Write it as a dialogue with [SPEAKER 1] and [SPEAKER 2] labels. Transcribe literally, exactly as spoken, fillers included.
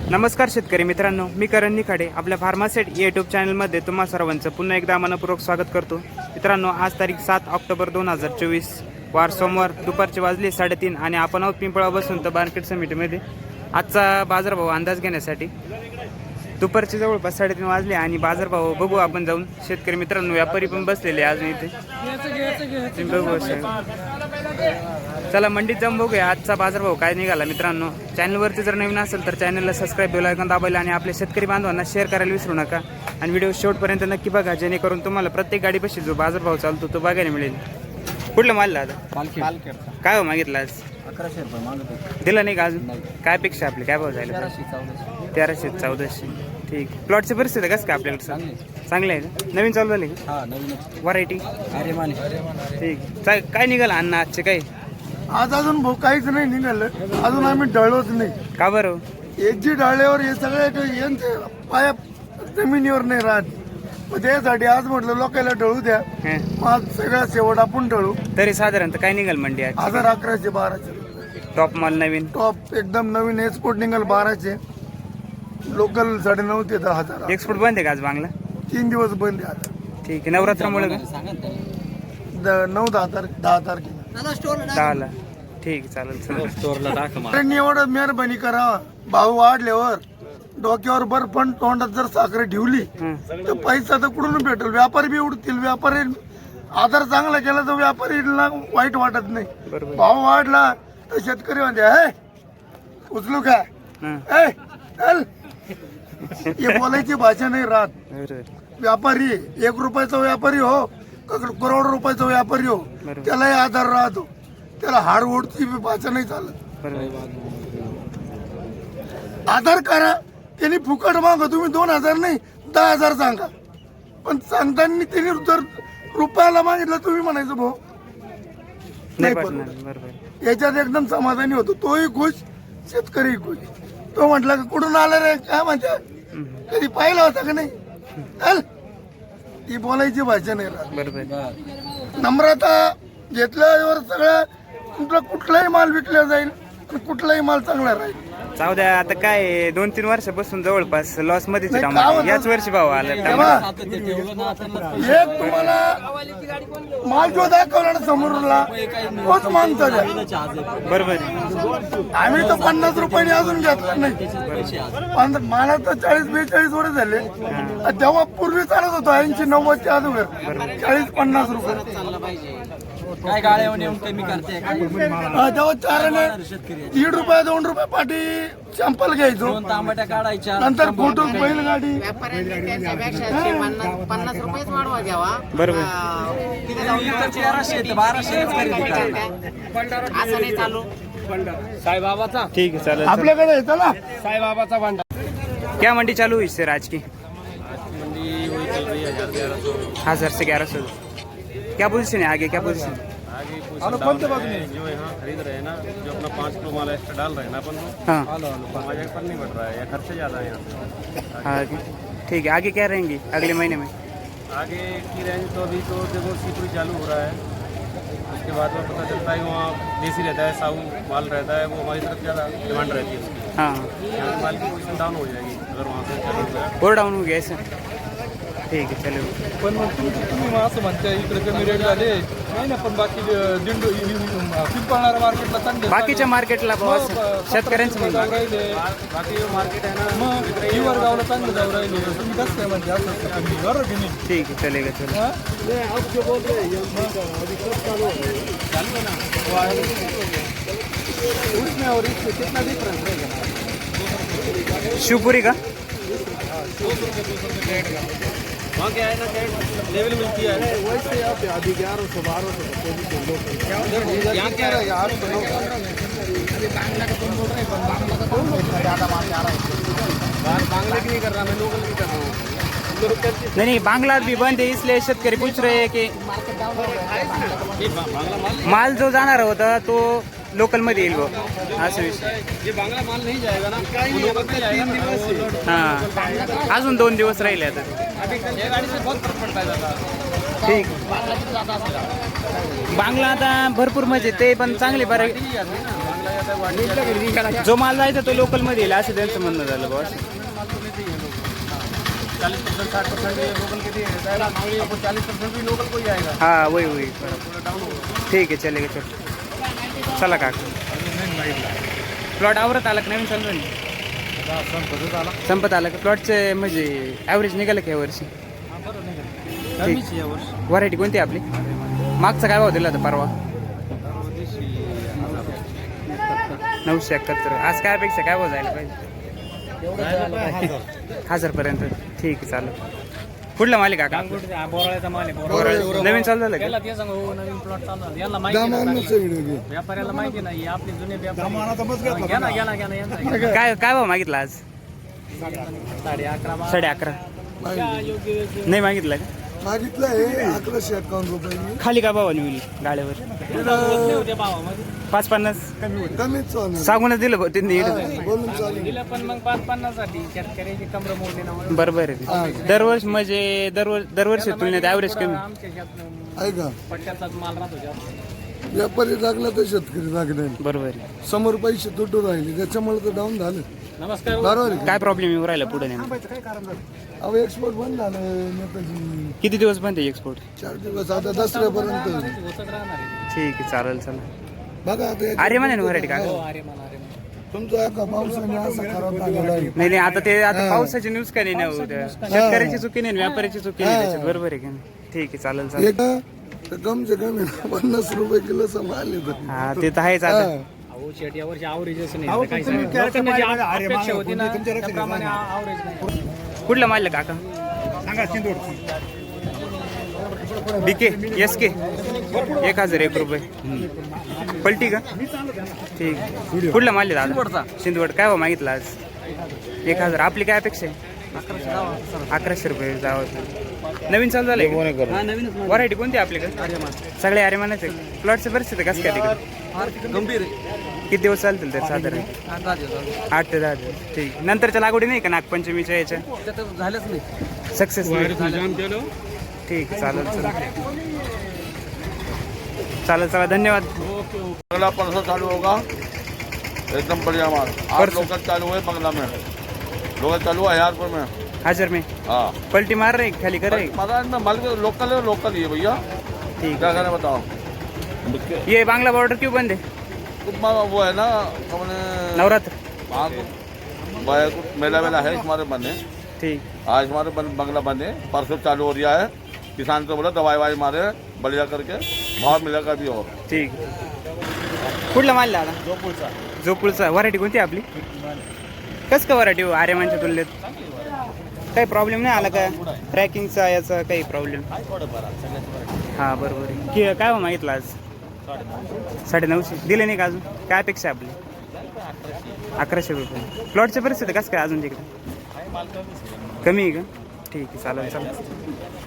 [SPEAKER 1] नमस्कार शेतकरी मित्रांनो, मी करण निखाडे आपल्या फार्मासेट यूट्यूब चॅनलमध्ये तुम्हा सर्वांचं पुन्हा एकदा मनपूर्वक स्वागत करतो. मित्रांनो, आज तारीख सात ऑक्टोबर दोन हजार चोवीस वार सोमवार, दुपारचे वाजले साडेतीन आणि आपण आहोत पिंपळा बसून तर मार्केट समितीमध्ये आजचा बाजारभाव अंदाज घेण्यासाठी. दुपारचे जवळपास साडेतीन वाजले आणि बाजारभाव बघू आपण जाऊन. शेतकरी मित्रांनो, व्यापारी पण बसलेले अजून इथे बघू. चला मंडीत जाऊन बघूया आजचा बाजारभाव काय निघाला. मित्रांनो, चॅनलवरती जर नवीन असेल तर चॅनलला सबस्क्राईब बेल आयकॉन दाबायला आणि आपल्या शेतकरी बांधवांना शेअर करायला विसरू नका. आणि व्हिडिओ शेवटपर्यंत नक्की बघा, जेणेकरून तुम्हाला प्रत्येक गाडीपाशी जो बाजारभाव चालतो तो बघायला मिळेल. कुठलं माल दादा? काय हो मागितलं आज?
[SPEAKER 2] अकराशे रुपये मागतो.
[SPEAKER 1] दिला नाही का अजून? काय पेक्षा आपली काय भाव झाले? तेराशे चौदाशे. ठीक. प्लॉटची परिस्थिती कसं काय आपल्याकडे? चांगलं आहे का? नवीन चालू झाले का?
[SPEAKER 2] हा नवीन
[SPEAKER 1] व्हरायटी?
[SPEAKER 2] अरे मान
[SPEAKER 1] ठीक. काय निघालं अन्न आजचे? काय
[SPEAKER 3] आज अजून भाऊ काहीच नाही निघालं, अजून आम्ही डळलोच नाही.
[SPEAKER 1] का बरं?
[SPEAKER 3] एक जी डाळल्यावर हे सगळे यांचे पाया जमिनीवर नाही राहत, मग त्यासाठी आज म्हटलं लोकांना डळू द्या.
[SPEAKER 1] हं.
[SPEAKER 3] आज सगळा शेवट आपण डळू.
[SPEAKER 1] तरी साधारणतः काय निघाल मंडी आज?
[SPEAKER 3] हजार अकराशे बाराशे
[SPEAKER 1] टॉप माल नवीन
[SPEAKER 3] टॉप एकदम नवीन एक्सपोर्ट निघाल बाराशे, लोकल साडे नऊ ते दहा हजार.
[SPEAKER 1] एक्सपोर्ट बंद आहे का आज बांगला?
[SPEAKER 3] तीन दिवस बंद आहे आता.
[SPEAKER 1] ठीक आहे. नवरात्रामुळे का?
[SPEAKER 3] द- नऊ दहा तारखे दहा तारखेला
[SPEAKER 1] दहाला. ठीक, चालेल चालेल.
[SPEAKER 2] स्टोरला टाक
[SPEAKER 3] त्यांनी एवढं मेहरबानी करावा. भाव वाढल्यावर डोक्यावर बर्फ पण तोंडात जर साखर ठेवली
[SPEAKER 1] हं.
[SPEAKER 3] तर पैसा तर कुठून भेटेल? व्यापारी बी उडतील. व्यापारी आधार चांगला केला तर व्यापारीला वाईट वाटत नाही.
[SPEAKER 1] बरोबर.
[SPEAKER 3] भाव वाढला तर शेतकरी म्हणते हे उचलू काय,
[SPEAKER 1] हं.
[SPEAKER 3] ए चल. हे बोलायची भाषा नाही राहत.
[SPEAKER 1] बरोबर.
[SPEAKER 3] व्यापारी एक रुपयाचा व्यापारी हो, क- करोड रुपयाचा व्यापारी हो,
[SPEAKER 1] बरोबर.
[SPEAKER 3] त्यालाही आधार राहतो. त्याला हाड ओढची भाषा नाही चालत.
[SPEAKER 1] बरोबर.
[SPEAKER 3] आधार करा. त्यांनी फुकट मागा, तुम्ही दोन हजार नाही दहा हजार सांगा, पण सांगताना त्यांनी जर रुपयाला मागितलं तुम्ही म्हणायचं भाऊ
[SPEAKER 1] नाही
[SPEAKER 3] नाही
[SPEAKER 1] पटणार.
[SPEAKER 3] पडणार.
[SPEAKER 1] बरोबर.
[SPEAKER 3] याच्यात एकदम समाधानी होतो. तोही खुश, शेतकरी खुश. तो म्हटला का कुठून आला रे, काय म्हणते, कधी पाहिला होता का नाही? चल. ती बोलायची भाषा नाही राहत.
[SPEAKER 1] बरोबर.
[SPEAKER 3] नम्रता घेतल्यावर सगळं तुमचा कुठलाही माल विकला जाईल आणि कुठलाही माल चांगला राहील.
[SPEAKER 1] जाऊ द्या. आता काय दोन तीन वर्षापासून जवळपास लॉस मध्येच
[SPEAKER 3] नाही,
[SPEAKER 1] टमाटे.
[SPEAKER 3] काय होतं?
[SPEAKER 1] याच वर्षी भाव आला
[SPEAKER 3] तेव्हा
[SPEAKER 1] टमाटे.
[SPEAKER 3] एक तुम्हाला माल जो दाखवला ना समोरला तोच मागचा द्या.
[SPEAKER 1] बरोबर.
[SPEAKER 3] आम्ही तर पन्नास रुपयाने अजून घेतला नाही. पण मला तर चाळीस बेचाळीस वर्ष झाले. तेव्हा पूर्वी चालत होतो ऐंशी नव्वदच्या अगोदर चाळीस पन्नास रुपये.
[SPEAKER 2] काय गाड्या येऊन कमी करते
[SPEAKER 3] हा, तेव्हा चाराने दीड रुपये दोन रुपये पाठी सॅम्पल घ्यायचो.
[SPEAKER 2] तांबट्या काढायच्या
[SPEAKER 3] नंतर फोटो बैलगाडी
[SPEAKER 4] पन्नास रुपयेच वाढवा घ्यावा.
[SPEAKER 1] बरोबर.
[SPEAKER 2] तेराशे ते बाराशे खरेदी करा.
[SPEAKER 4] असं नाही चालू.
[SPEAKER 2] साईबाबाचा
[SPEAKER 1] ठीक है, चलो.
[SPEAKER 3] आपल्याकडे आहे, चला.
[SPEAKER 2] साईबाबाचा भांडा
[SPEAKER 1] क्या मंडी चालू हुई सर आज की? हजार से ग्यारह सौ. क्या पोजीशन है आगे? क्या पोजीशन?
[SPEAKER 5] जो यहाँ खरीद रहे हैं ना, जो अपना पाँच किलो माल एक्स्ट्रा डाल रहे हैं ना अपन को,
[SPEAKER 1] हाँ
[SPEAKER 5] हमारे पर नहीं बढ़ रहा है या खर्चे ज़्यादा है यहाँ पे.
[SPEAKER 1] आगे. ठीक है. आगे क्या रहेंगी अगले महीने में?
[SPEAKER 5] आगे की रेंज तो अभी तो देखो सीपुरी चालू हो रहा है, उसके बाद में पता चलता है वहाँ देसी रहता है, साहू माल रहता है, वो हमारी तरफ ज़्यादा डिमांड रहती है उसकी.
[SPEAKER 1] हाँ.
[SPEAKER 5] यहाँ की माल की पोजिशन डाउन हो जाएगी अगर वहाँ से चालू हो गया.
[SPEAKER 1] और डाऊन हो गया ऐसा? ठीक है, चलो.
[SPEAKER 6] पण मग तुम्ही तुम्ही असं म्हणताय इकडे कमी रेट झाले नाही ना, पण बाकी दिंडो पिंपळणाऱ्या मार्केटला चांगले
[SPEAKER 1] बाकीच्या मार्केटला भाव शेतकऱ्यांचं
[SPEAKER 6] जाऊ
[SPEAKER 1] म्हणणं.
[SPEAKER 6] राहिले.
[SPEAKER 5] बाकी जो मार्केट है ना,
[SPEAKER 6] मग हिवर गावला चांगलं जाऊ राहिले. तुम्ही कसं काय म्हणते असं कमी बरोबर की नाही?
[SPEAKER 1] ठीक है, चलेगा. चलो.
[SPEAKER 6] हा? उसमें और इसमें कितना डिफरेंस रहेगा?
[SPEAKER 1] शिवपुरी का?
[SPEAKER 5] वहाँ क्या है ना, लेवल मिलती है.
[SPEAKER 3] वैसे आप अभी ग्यारह सौ बारह सौ
[SPEAKER 5] यहाँ क्या है यार, बांग्ला की नहीं कर रहा, मैं लोकल की कर रहा हूँ.
[SPEAKER 1] नहीं नहीं, बांग्ला भी बंद है, इसलिए शेतकरी पूछ रहे हैं कि माल जो जाणार होता तो लोकल मध्ये येईल भाऊ, असं विषय.
[SPEAKER 5] ये बांग्ला माल नहीं जाएगा ना, वो लोकल पे जाएगा.
[SPEAKER 1] हां, अजून दोन दिवस राहिले आता.
[SPEAKER 5] अभी ये गाड़ी से बहुत फर्क पड़ता है दादा.
[SPEAKER 1] ठीक. बांगला आता भरपूर म्हणजे ते पण चांगले बरं.
[SPEAKER 5] जाता है गुवाहाटी
[SPEAKER 1] जो माल जायचा तो लोकल मध्ये येईल असं त्यांचं म्हणणं झालं बॉस.
[SPEAKER 5] चालीस परसेंट साठ परसेंट लोकल के दिए जाएगा आपको चालीस परसेंट भी लोकल को ही आएगा
[SPEAKER 1] हा वही वही
[SPEAKER 5] पूरा डाउन होगा.
[SPEAKER 1] ठीक आहे चलेगा चल चला काका. प्लॉट आवरत आला का नवीन चालू नाही संपत आला का प्लॉटचे म्हणजे ॲव्हरेज निघालं का यावर्षी. व्हरायटी कोणती आपली मागचा काय भाव दिला होता परवा नऊशे एकाहत्तर. आज काय अपेक्षा काय भाव जायला पाहिजे हजार पर्यंत. ठीक आहे चालेल. कुठला मालिक काका
[SPEAKER 5] बोराळ्याचा माल आहे.
[SPEAKER 1] बोराळे. नवीन चालू झालं
[SPEAKER 5] त्याला
[SPEAKER 1] का
[SPEAKER 5] ते सांग हो नवीन प्लॉट चालू झाला. यांना माहिती नाही. व्यापाऱ्याला माहिती नाही आपले जुने व्यापारी. घ्या ना घ्या ना घ्या ना यांचा
[SPEAKER 1] काय काय भाव मागितला आज
[SPEAKER 5] साडे अकरा
[SPEAKER 1] साडे अकरा नाही मागितला का
[SPEAKER 3] मागितलं आहे अकराशे अकावन्न रुपये.
[SPEAKER 1] खाली का भावाने होईल गाड्यावर
[SPEAKER 5] होते भावामध्ये
[SPEAKER 1] पाच पन्नास
[SPEAKER 3] कमीच चालू
[SPEAKER 1] सांगूनच दिलं भाऊ त्यांनी.
[SPEAKER 3] बोलून चालू.
[SPEAKER 5] दिलं पण मग पाच पन्नास साठी शेतकऱ्याची कमर मोडली ना म्हणून
[SPEAKER 1] बरोबर आहे. दरवर्षी म्हणजे दरवर्षी दरवर्षी तुलनेत ॲव्हरेज कमी.
[SPEAKER 5] आमच्या शेत
[SPEAKER 3] ऐका
[SPEAKER 5] पट्ट्याचाच माल राहतो जास्त.
[SPEAKER 3] व्यापारी लागला तर शेतकरी लागले.
[SPEAKER 1] बरोबर आहे.
[SPEAKER 3] समोर पैसे तुटून राहिले त्याच्यामुळे तर डाऊन झालं.
[SPEAKER 5] नमस्कार.
[SPEAKER 3] बरोबर आहे.
[SPEAKER 1] काय प्रॉब्लेम येऊ राहिला पुढे नेमकं
[SPEAKER 3] अहो एक्सपोर्ट बंद झालं नेताजी.
[SPEAKER 1] किती दिवस बंद आहे एक्सपोर्ट.
[SPEAKER 3] चार दिवस आता दसऱ्यापर्यंत.
[SPEAKER 5] होतच राहणार आहे.
[SPEAKER 1] ठीक आहे चालेल चला.
[SPEAKER 3] बघा आता एक-
[SPEAKER 1] अरे म्हणे व्हरायटी का
[SPEAKER 5] हो अरे मला अरे मला
[SPEAKER 3] तुमचा एका पावसाने असा खराब झालेला आहे.
[SPEAKER 1] नाही नाही आता ते आता पावसाची न्यूज का नाही ना उद्या. शेतकऱ्याची चुकी नाही व्यापाऱ्याची चुकी नाही त्याच्यात. बरोबर आहे का नाही. ठीक आहे चालेल चालेल.
[SPEAKER 3] एक तर कम से कम आहे ना, पन्नास रुपये किलो संभाळले तर.
[SPEAKER 1] हा ते तर आहेच आता.
[SPEAKER 5] अहो शेट यावर्षी आवरेजच नाही आता काही सांगा. लोकांना जी अपेक्षा होती ना त्याप्रमाणे आवरेज नाही.
[SPEAKER 1] कुठला मारलं काका बीके एस के एक हजार एक रुपये पलटी का. ठीक. कुठला मारले दादा सिंधवड. काय भाव मागितला आज एक हजार. आपली काय अपेक्षा आहे अकराशे रुपये जावं. नवीन चालू झालंय व्हरायटी कोणती आपल्याकडे सगळे आर्यमानाचे. प्लॉटची परिस्थिती कसं काय तिकडे
[SPEAKER 2] गंभीर आहे.
[SPEAKER 1] किती दिवस चालतील तर साधारण आठ ते दहा दिवस. ठीक. नंतरच्या लागवडी नाही का नागपंचमीच्या याच्या
[SPEAKER 2] झालंच नाही.
[SPEAKER 1] सक्सेस ठीक आहे चालेल चला चालेल चला धन्यवाद.
[SPEAKER 7] अगला परसों चालू होगा एकदम बढ़िया माल. आज
[SPEAKER 1] परसों?
[SPEAKER 7] लोकल चालू है बंगला में. लोकल चालू है हजारपुर में.
[SPEAKER 1] हजार में
[SPEAKER 7] हाँ
[SPEAKER 1] पलटी मार रहे खाली कर रहे.
[SPEAKER 7] महाराज में माल लोकल है लोकल ही है भैया.
[SPEAKER 1] ठीक
[SPEAKER 7] क्या करें बताओ.
[SPEAKER 1] है. ये बांग्ला बॉर्डर क्यों बंद है
[SPEAKER 7] कुछ मा- वो है ना अपने
[SPEAKER 1] नवरात्र.
[SPEAKER 7] वहाँ को वो है, कुछ मेला वेला है हमारे बने.
[SPEAKER 1] ठीक
[SPEAKER 7] आज हमारे बन, बंगला बने परसों चालू हो रहा है. किसान को बोला दवाई वाई मारे बढ़िया करके भाव मिलेगा भी. और
[SPEAKER 1] ठीक. कुठला माल दादा जोपूळचा. व्हरायटी कोणती आपली कसं का व्हरायटी हो आर्यमानच्या तुलनेत काही प्रॉब्लेम नाही आला का ट्रॅकिंगचा याचा काही प्रॉब्लेम. हां बरोबर आहे. कि काय हो मागितलं आज साडे नऊशे दिले नाही का अजून. काय अपेक्षा आहे आपली अकराशे रुपये. प्लॉटची परिस्थिती कसं काय अजून तिकडे कमी आहे का. ठीक आहे चालेल चालेल.